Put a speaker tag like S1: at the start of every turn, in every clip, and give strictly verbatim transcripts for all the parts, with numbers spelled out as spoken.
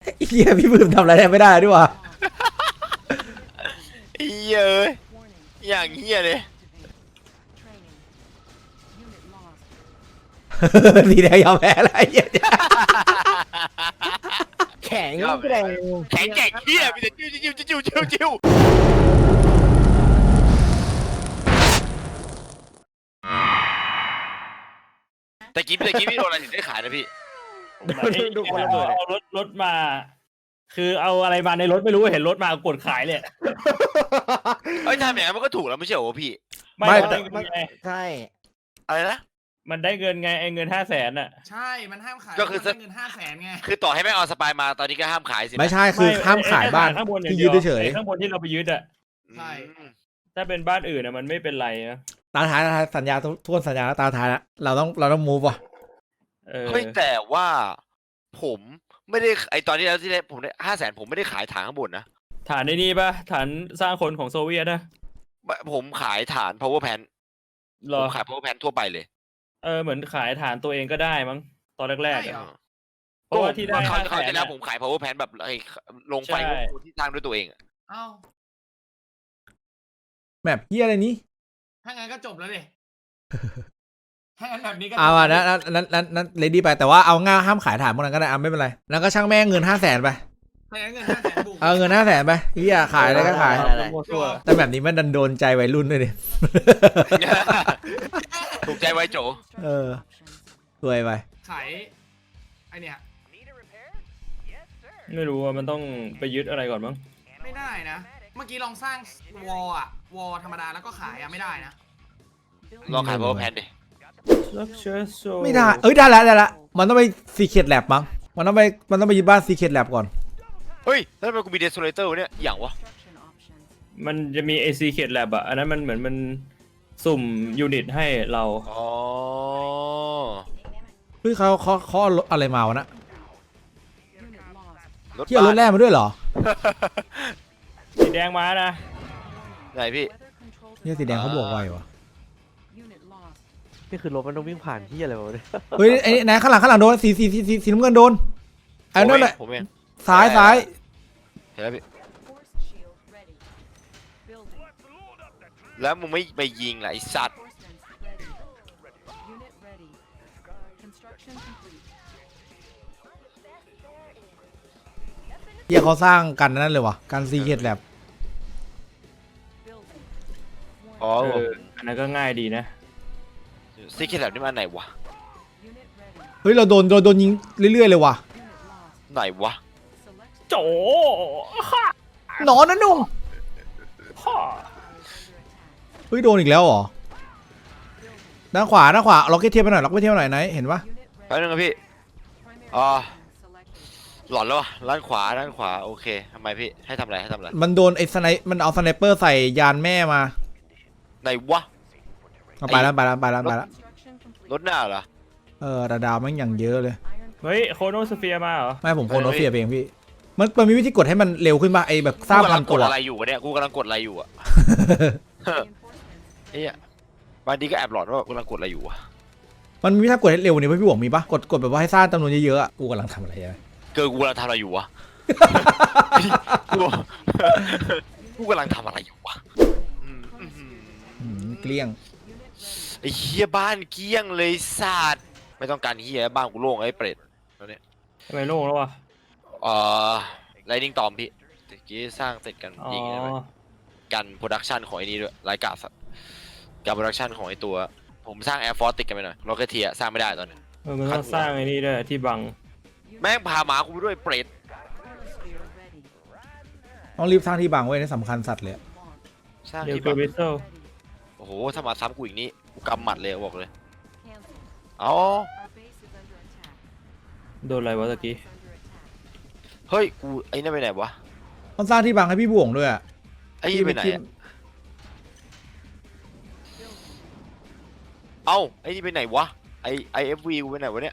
S1: เฮียพี่บืมทำอะไรได้ไม่ได้ด้วยวะ
S2: เฮียเอ้ยอย่างเฮียเลย
S1: สีแดงยอมแพ้อะไรเฮีย
S3: แข็งแกร่ง
S2: แข็งแกร่งเฮียมีแต่จิ้วจิ้วจิ้วจิ้วจิ้วแต่กี้แต่กี้พี่โดนอะไรถึงได้ขายนะพี่
S3: ดูคนระเบิด
S4: เอารถรถมา คือเอาอะไรมาในรถไม่รู้เห็นรถมากดขายเลย
S2: เอ้ยทำอย่างนั้นมันก็ถูกแล้วไม่ใช่เหรอพี่
S4: ไม่
S1: ไม่
S4: ได้เงินไง
S3: ใช่
S2: อะไรนะ
S4: มันได้เงินไงไอ้เงินห้าแสนอ่ะ
S5: ใช่ มันห้ามขาย
S2: ก็คือ
S5: มันได้เงินห้าแสนไง
S2: คือต่อให้แม่งเอาสปายมาตอนนี้ก็ห้ามขายสินะ
S1: ไม่ใช่คือห้ามขายบ้าน
S4: ข้างบนอย่าง
S1: ที่
S4: เดี
S1: ยึ
S4: ย
S1: ด
S4: ว
S1: เฉย
S4: ไอ้ข้างบนที่เราไปยึดอ่ะ
S5: ใช่
S2: อืม
S4: ถ้าเป็นบ้านอื่นอ่ะมันไม่เป็นไรนะ
S1: ตาท้ายสัญญาทุกคนสัญญาตาท้ายแล้วเราต้องเราต้องมูฟว่ะ
S4: เออ
S2: เฮ้ยแต่ว่าผมไม่ได้ไอตอนที่แล้วที่ได้ผมได้ห้าแสนผมไม่ได้ขายฐานข้างบนนะ
S4: ฐานในนี่ปะฐานสร้างคนของโซเวียตนะ
S2: ผมขายฐาน power pan
S4: หร
S2: ผ
S4: อ
S2: มขาย power pan ทั่วไปเลย
S4: เออเหมือนขายฐานตัวเองก็ได้มั้งตอนแรกๆ
S5: ใช่
S4: อะ
S5: เหรอ
S4: เพราะว่าที่ได้
S2: เขา
S4: ห้า
S2: เขา
S4: แส
S2: จะ
S4: น
S2: แล้ว
S4: อะ
S2: ผมขาย power pan แบบไอ้ลงไฟ
S4: ใช่
S2: ที่สร้างด้วยตัวเองอะ
S5: เอ้า
S1: แบบเฮียอะไรนี้
S5: ถ้างั้นก็จบแล้วดิถ้างั้นแบบนี้ก็จบ
S1: เอาอ่ะนั้นนั้นนั้นนั้นเลดี้ไปแต่ว่าเอาง่าห้ามขายฐานพวกนั้นก็ได้อ่ะไม่เป็นไรแล้วก็ช่างแม่งเงินห้าแสนไป
S5: ถ้างั้นเงินห้าแสนบุก
S1: เอาเงินห้าแสนไปเฮียขายอะไรก็ขาย
S4: มั่วซั่ว
S1: แต่แบบนี้มันดันโดนใจวัยรุ่นด้วยดิ
S2: ถูกใจไว้โจ
S1: เออรวยไป
S5: ขายไอเนี่ย
S4: ไม่รู้ว่ามันต้องไปยึดอะไรก่อนมั้ง
S5: ไม่ได้นะ เมื่อกี้ลองสร้างวอลอะวอลธรรมดาแล้วก็ขายอะไม่ได้นะ
S2: ลองขาย power pan ดิ
S1: ไม่ได้เอ้ยได้แล้วได้แล้วมันต้องไปซีเคร็ตแลบมั้งมันต้องไปมันต้องไปยึดบ้านซีเคร็ตแลบก่อน
S2: เฮ้ยแล้วทำไมกูมี desolator วะเนี่ยอย่างวะ
S4: มันจะมี เอ ซี Secret Lab อะอันนั้นมันเหมือนมันสุ่มยูนิตให้เรา
S2: อ๋อ
S1: เฮ้ยเขาเขาเขาเอาอะไรมาวะนะ
S2: รถ
S1: ที่เอารถแร่มาด้วยเหรอ
S4: สีแดงมานะ
S2: ไหนพี่
S1: เนี่ยสีแดงเขาบวกไววะ
S3: นี่คือรถมันต้องวิ่งผ่านที่อะไรวะเนี่ย
S1: เฮ้ยไอ้ไหนข้างหลังข้างหลังโดนสีสีสีสีสีน้ำเงินโดนไอ้นั่นแหละ
S2: ผมเอง
S1: ซ้ายซ้าย
S2: เห็นแล้วพี่แล้วมึงไม่ไปยิงล่ะไอ้สัตว์
S1: เฮียเขาสร้างกันนั่นเลยวะกันซีเคร็ตแลบ
S2: อ๋อ
S4: เอออันนั้นก็ง่ายดีนะ
S2: ซีเคร็ตแลบนี่มันไหนวะ
S1: เฮ้ยเราโดนโดนโดนยิงเรื่อยๆเลยวะ
S2: ไหนวะ
S4: โจ
S1: หนอนนะนุ่ง
S4: ฮ่า
S1: เฮ้ยโดนอีกแล้วเหรอด้านขวาด้านขวาล็อกเก็ตเทียบไปหน่อยล็อกเก็ตเทียบไปหน่อยไหนเห็นปะ
S2: แป๊บนึงครับพี่อ๋อหลอนแล้ววะด้านขวาด้านขวาโอเคทำไมพี่ให้ทำอะไรให้ทำอะไร
S1: มันโดนไอ้สไนมันเอาสไนเปอร์ใส่ยานแม่มา
S2: ไหนวะ
S1: เอาไปแล้วไปแล้วไปแล้วไปแล้ว
S2: รถหน้าเหรอ
S1: เออดาดาวมันอย่างเยอะเลย
S4: เฮ้ยโคโนสเฟียมาเหรอ
S1: ไม่ผมโคโนเฟียเองพี่มันมันมีวิธีกดให้มันเร็วขึ้นป่ะไอ้แบบสร้าง
S2: กูกำ
S1: พั
S2: ลั
S1: น
S2: งก
S1: ตั
S2: ด
S1: ว
S2: อะไรอยู่วะเนี่ยกูกำลังกดอะไรอยู่อะเฮ้ยบางทีก็แอบหลอนว่ากูกำลังกดอะไรอยู่วะ
S1: มันมีวิธีกดให้เร็วนี่พี่หวงมีปะกดกดแบบว่าให้สร้างจำนวนเยอะๆอะกูกำลังทำอะไรอะ
S2: เกิดกูกำลังทำอะไรอยู่วะ กูกูกำลังทำอะไรอยู่วะอืมอืมอืม
S1: อืมเกลี้ยง
S2: ไอ้เฮียบ้านเกลี้ยงเลยสัตว์ไม่ต้องการเฮียบ้านกูโล่งไอ้เปรตแล้วเนี่ย
S4: ทำไมโล่งแล้ววะ
S2: เอ่อไลนิ่งตอมพี่ตะกี้สร้างเสร็จกัน
S4: อ๋อ
S2: ยิงได้ไหมกันโปรดักชันของไอ้นี้ด้วยรายการสัตว์การโปรดักชันของไอ้ตัวผมสร้างแอร์ฟอร์สติดกันไปหน่อยโรเกเทียสร้างไม่ได้ตอนนี้
S4: เออมันต้องสร้างไอ้นี่ด้วยที่บัง
S2: แม่งพาหมากูไปด้วยเปรต
S1: ต้องรีบสร้างที่บังไว้นี่สำคัญสัตว์เลย
S2: สร้าง
S4: เดี๋ยว
S2: ที่
S4: คือ
S2: แบบ
S4: วิสเซิล
S2: โอ้โหถ้ามาซ้ำกูอีกนี้กูกำหมัดเลยบอกเลยเอา
S4: โดนอะไรวะตะกี้
S2: เฮ้ยกูไอ้นั่นไปไหนวะ
S1: ต้องสร้างที่บังให้พี่บวงด้วยอะ
S2: ไอ้นี่ไปไหนอะเอ้าไอ้นี่ไปไหนวะไอไอเอฟวีกูไปไหนวะเนี่ย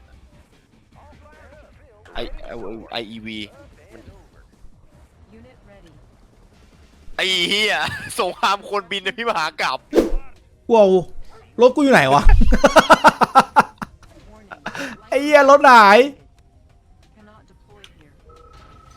S2: ไอไอไออีวีไอ้เหี้ยสงครามคนบินนะพี่มหากราบ
S1: ว้าวรถกูอยู่ไหนวะ ไอ้เหี้ยรถหาย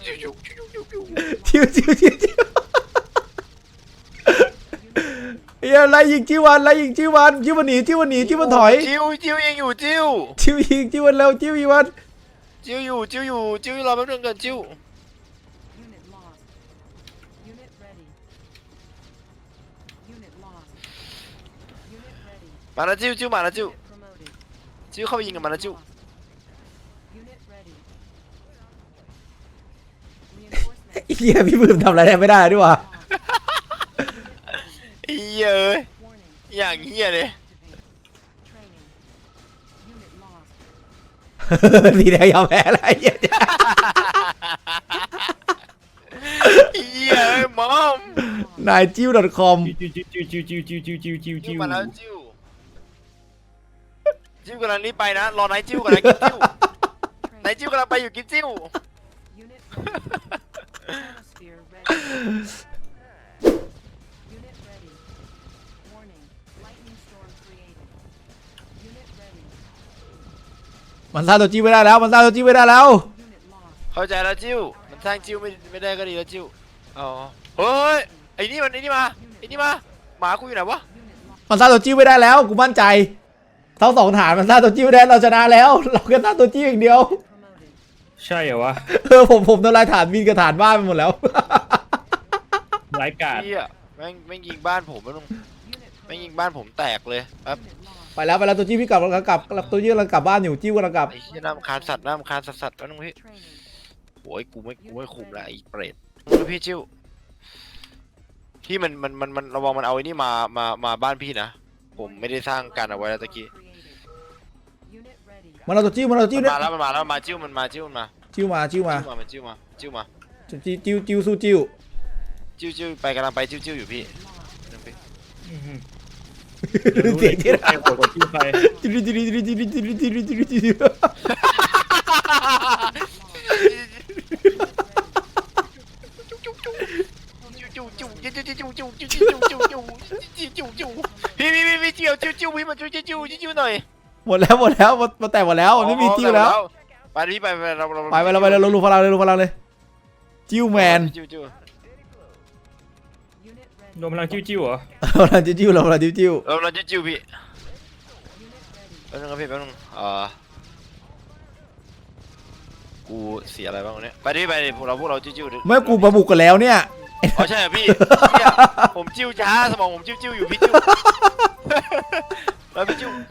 S1: จิ้วจิ้วจิ้วจิ้วเฮียไล่ยิงจิ้ววันไล่ยิงจิ้ววันจิ้ววันหนีจิ้ววันหนีจิ้ววันถอย
S2: จิ้วจิ้วยังอยู่จิ้ว
S1: จิ้วยิงจิ้ววันเร็วจิ้วอีวัน
S2: จิ้วอยู่จิ้วอยู่จิ้วรอแป๊บนึงก่อนจิ้ว
S6: Unit lost. Unit ready. Unit lost. Unit ready.
S2: มาแล้วจิ้วจิ้วมาแล้วจิ้ว
S6: Unit promoted.
S2: จิ้วเข้าไปยิงกับมันแล้วจิ้ว
S6: Lost. Unit ready. Reinforcements
S1: เฮียพี่ปื้มทำอะไรไม่ได้ด้วยวะ
S6: lost.
S2: เฮ้ยเอ้ย
S6: Warning.
S2: อย่างเฮียเลย
S6: Activate. Training. Unit lost.
S1: สีแดงยอมแพ้อะไรเฮีย
S2: เฮียเอ้ยมอม
S1: นายจิ้ว .com
S4: จิ้วจิ้วจิ้วจิ้วจิ้วจิ้วจิ้วจิ้ว
S2: จิ้
S4: จิ้
S2: ว
S4: ว
S2: มาแล้วจิ้วจิ้วกำลังรีบไปนะรอนายจิ้วก่อนนะกินจิ้ว นายจิ้วกำลังไปอยู่กินจิ้ว
S6: Unit ready. Chronosphere ready. Unit ready. Warning. Lightning storm created. Unit ready.
S1: มันสร้างตัวจี้ไม่ได้แล้ว มันสร้างตัวจี้ไม่ได้แล้ว
S6: Unit lost.
S2: เข้าใจแล้วจิ้วมันสร้างจิ้วไม่ไม่ได้ก็ดีแล้วจิ้วอ๋อเฮ้ยไอ้นี่มันไอ้นี่มาไอ้นี่มาหมากูอยู่ไหนวะ
S6: Unit lost.
S1: มันสร้างตัวจี้ไม่ได้แล้ว กูมั่นใจทั้งสองฐานมันสร้างตัวจี้ไม่ได้เราชนะแล้ว เราแค่สร้างตัวจี้อย่างเดียว
S6: Promoted.
S4: ใช่เหรอวะ
S1: เออผมผมทำลายฐานบินกับฐานบ้านไปหมดแล้ว
S4: ร้ายกาจ
S2: เฮียแม่งแม่งยิงบ้านผมแม่ง
S6: Unit
S2: แม่ง
S6: promoted.
S2: ยิงบ้านผมแตกเลยแป๊บ
S6: Unit lost.
S1: ไปแล้วไปแล้วตัวจี้พี่กลับกลับกลับกลับตัวจี้กำลังกลับบ้านอยู่จี้กำลังกลับ
S2: ไอ้เฮียน้ำคานสัตว์น้ำคานสัตว์สัตว์แล้วนึงพี่
S6: Training.
S2: โอ้ยกูไม่กูไม่คุมละไอ้เปรตพี่จิ้วพี่มันมันมันมันระวังมันเอาไอ้นี่มามามาบ้านพี่นะผมไม่ได้สร้างการเอาไว้แล้วตะกี้
S6: Created. Unit ready.
S1: มันเอาตัวจี้มันเอาตัว
S2: มั
S1: จี้
S2: น
S1: เนี่ย
S2: มาแล้วมันมาแล้วมาจิ้วมันมาจิ้วมันมา
S1: จิ้วมาจิ้วมา
S2: จิ้วมามันจิ้วมาจิ้วมา
S1: จิ้วจิ้วจิ้วสู้จิ้ว
S2: จิ้วจิ้วไปกำลังไปจิ้วจิ้วอยู่พี่
S1: เสียงที่
S4: ใครโหดกว่าที่ใคร
S1: จิ้วจิ้วจิ้วจิ้วจิ้วจิ้วจิ้วจิ้วจิ้ว
S2: พี่พี่พี่พี่จิ้วจิ้วจิ้วพี่มาจิ้วจิ้วจิ้วจิ้วหน่อย
S1: หมดแล้วหมดแล้วมันแตกหมดแล้วมันไม่มีจิ้วแล้ว
S2: ไปพี่ไปไปเราเรา
S1: ไปไปเราไปเราลงพลังเลยลงพลังเลยจิ้วแมน
S2: จิ้วจิ้ว
S6: Unit ready.
S4: รวมพลังจิ้วๆเหรอ
S1: พลังจิ้วเราพลังจิ้วจิ้ว
S2: เราเราจิ้วจิ้วพี่
S6: Unit ready.
S2: แป๊บนึงครับพี่แป๊บนึงเอ่อกูเสียอะไรบ้างวันนี้ไปดิไปดิพวกเราพวกเราจิ้วจิ้วดิ
S1: เมื่อกูมาบุกกันแล้วเนี่ย
S2: อ๋อใช่เหรอพี่เหี้ยผมจิ้วช้าสมองผมจิ้วจิ้วอยู่พี่จิ้วแล้วพี่จิ้ว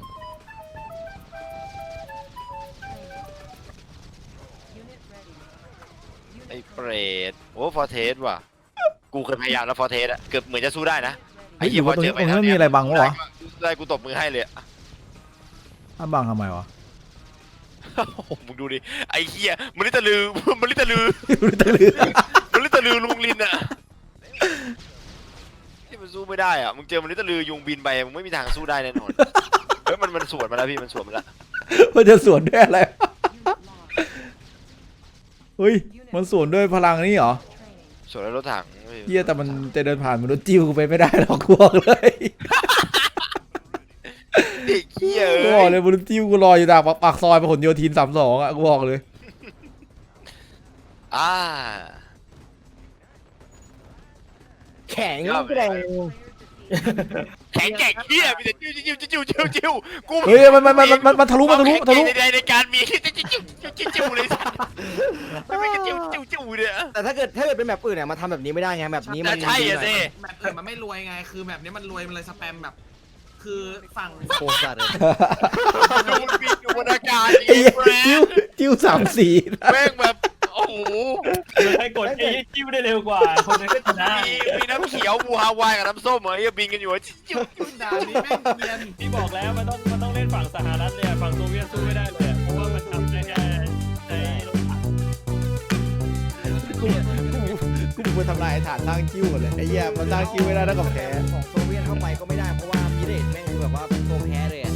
S6: Unit ready.
S2: ไอ้
S6: Unit
S2: เปรตโอ้ฟอร์เทสว่ะกูเคยพยายามแล้วฟอร์เทสอะเกือบเหมือนจะสู้ได้นะ
S6: ready.
S1: ไอ้อยู่ว่าตรงนี้ตรงนี้มันมีอะไรบังวะวะ
S2: ได้กูตบมือให้เลยอะ
S1: อ้าบังทำไมวะ
S2: โอ้โหมึงดูดิไอ้เหี้ยมันลิตะลือมันลิตะลือ
S1: รู้ตะลือ
S2: มันลิตะลือลุงลินอะที่มันสู้ไม่ได้อะมึงเจอมันลิตะลือยุงบินไปมึงไม่มีทางสู้ได้แน่นอนเฮ้ยมันมันสวนมาแล้วพี่มันสวนมาแล้ว
S1: มันจะสวนด้วยอะไร
S6: Unit lost.
S1: เฮ้ยมันสวนด้วยพลังนี่เหรอ
S6: Training.
S2: สวนแล้วรถถัง
S1: เฮียแต่มันจะเดินผ่านมันโดนจิ้วกูไปไม่ได้หรอกกูบอกเลย
S2: เด็กเหี้ย
S1: กู
S2: เอ้
S1: บอก
S2: ย
S1: เลยมันจิ้วกูรออยู่จากปากซอยพหลโยธินสามสองอ่ะกูบอกเลย
S2: อ่า
S3: แข็งแกร่ง
S2: แข็งแกร่งเหี้ยมีแต่จิ้วจิ้วจิ้วจิ้วจิ้วกู
S1: เฮ้ยมันมันมันมันมันทะลุมันทะลุทะลุ
S2: ในในการมีจิ้วจิ้วจิ้วจิ้วจิ้วเลยไม่ไม่จิ้วจิ้วจิ้วเนี่ย
S3: แต่ถ้าเกิดถ้าเกิดเป็นแบบอื่นเนี่ยมาทำแบบนี้ไม่ได้ไงแบบนี้มัน
S2: ใช่อะสิ
S5: แบบอื่นมันไม่รวยไง คือแบบนี้มันรวยมันเลยสแปมแบบ คือฝั่ง
S3: โคตรจัดเลย
S2: ดูบินอยู่บนอากาศ
S1: ไอ้เหี้ยจิ้วจิ้วสามสี
S2: แม่งแบบโอ้โห
S4: ใครกดไอ้จิ้วได้เร็วกว่า คนนั้นก็ชนะ
S2: มีมีน้ำเขียวบูฮาวายกับน้ำส้มเหรอไอ้บินกันอยู่จิ้วจิ้ว
S5: ด่านนี้แม่งเนียน
S4: ที่บอกแล้วมันต้องมันต้องเล่นฝั่งสหรัฐเลยอะฝั่งโซเวียตสู้ไม่ได้เลยอะเพราะว่ามันทำได้แค่ในรถถัง
S1: กูกูไปทำลายฐานสร้างจิ้วหมดเลยไอ้เหี้ยมันสร้างจิ้วไม่ได้แล้วกับแพ้
S3: ของโซเวียตเข้าไปก็ไม่ได้เพราะว่ามิเรตแม่งคือแบบว่าตัวแพ้เลยอะ